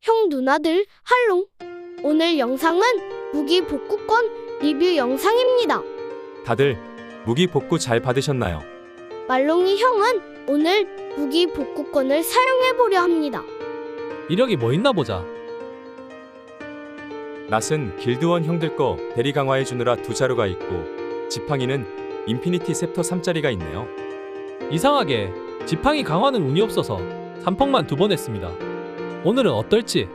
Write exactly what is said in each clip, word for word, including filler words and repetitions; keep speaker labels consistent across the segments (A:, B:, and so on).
A: 형 누나들 할롱. 오늘 영상은 무기 복구권 리뷰 영상입니다.
B: 다들 무기 복구 잘 받으셨나요?
A: 말롱이 형은 오늘 무기 복구권을 사용해보려 합니다.
C: 이력이 뭐 있나 보자.
B: 낫은 길드원 형들 거 대리 강화해주느라 두 자루가 있고, 지팡이는 인피니티 셉터 삼 짜리가 있네요.
C: 이상하게 지팡이 강화는 운이 없어서 삼펑만 두 번 했습니다. 오늘은 어떨지.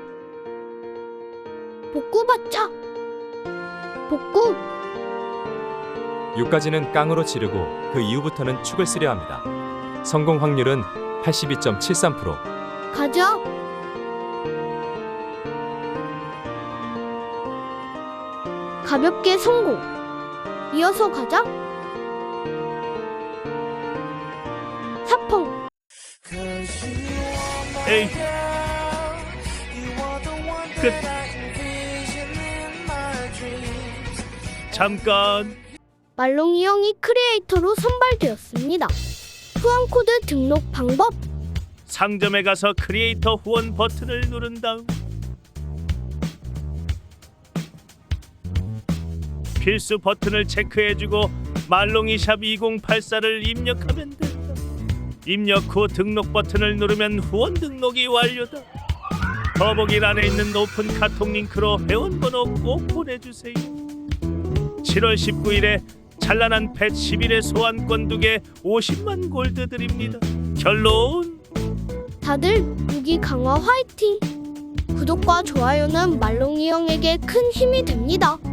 A: 복구 받자. 복구.
B: 육까지는 깡으로 지르고 그 이후부터는 축을 쓰려 합니다. 성공 확률은 팔십이 점 칠삼 퍼센트.
A: 가자. 가볍게 성공. 이어서 가자. 사펑.
D: 에이, 끝. 잠깐.
A: 말롱이 형이 크리에이터로 선발되었습니다. 후원 코드 등록 방법.
D: 상점에 가서 크리에이터 후원 버튼을 누른 다음 필수 버튼을 체크해주고 말롱이샵 이공팔사를 입력하면 된다. 입력 후 등록 버튼을 누르면 후원 등록이 완료다. 더보기란에 있는 오픈 카톡 링크로 회원번호 꼭 보내주세요. 칠월 십구일에 찬란한 펫 십일의 소환권 두 개 오십만 골드 드립니다. 결론.
A: 다들 무기 강화 화이팅! 구독과 좋아요는 말롱이 형에게 큰 힘이 됩니다.